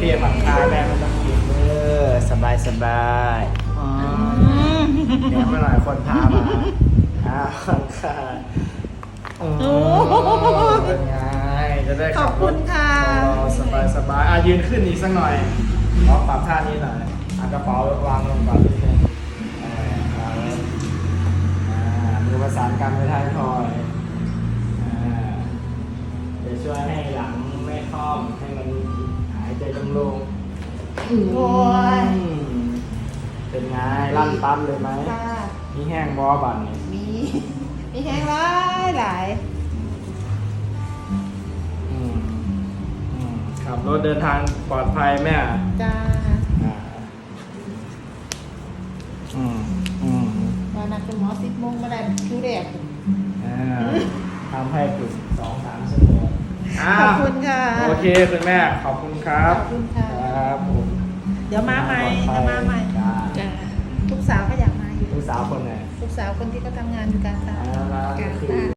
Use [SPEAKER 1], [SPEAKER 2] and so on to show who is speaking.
[SPEAKER 1] พียผ่อนคลายแม่ไม่ต้องกินสบายเดี๋ยวมาหน่อยคนพามาผ่อนคลายเป็นไงจะได้
[SPEAKER 2] ขอบคุณค่ะ
[SPEAKER 1] สบายยืนขึ้นอีกสักหน่อยลองปรับท่านี้หน่อยกระเป๋าวางลงก่อนนิดนึงมือประสานกันไว้ท้ายทอยจะช่วยให้หลังไม่คล่อมให้มันหายใจโล่งๆ
[SPEAKER 2] โอ้ย
[SPEAKER 1] เป็นไงลั่นปั๊บเลยไหม
[SPEAKER 2] ค่ะ
[SPEAKER 1] มีแห้งบอบันนี่
[SPEAKER 2] มีแห้งหลาย
[SPEAKER 1] ขับรถเดินทางปลอดภัยแม่
[SPEAKER 2] จ้า มานัดคุณหมอ10 โมงมาได้คิวแรก
[SPEAKER 1] ทำให้ฝึก2-3 ชั่วโมง
[SPEAKER 2] ขอบคุณค่ะ
[SPEAKER 1] โอเคคุณแม่ขอบคุณครับ
[SPEAKER 2] ขอบคุณค่ะ
[SPEAKER 1] ครับผม
[SPEAKER 2] เดี๋ยวมาใหม่
[SPEAKER 1] จ้า
[SPEAKER 2] จ้าลูกสาวก็อยากมาอยู่
[SPEAKER 1] ลูกสาวคนไหน
[SPEAKER 2] ลูกสาวคนที่เขาทำงานอยู่การตลาด
[SPEAKER 1] แล้วก็คือ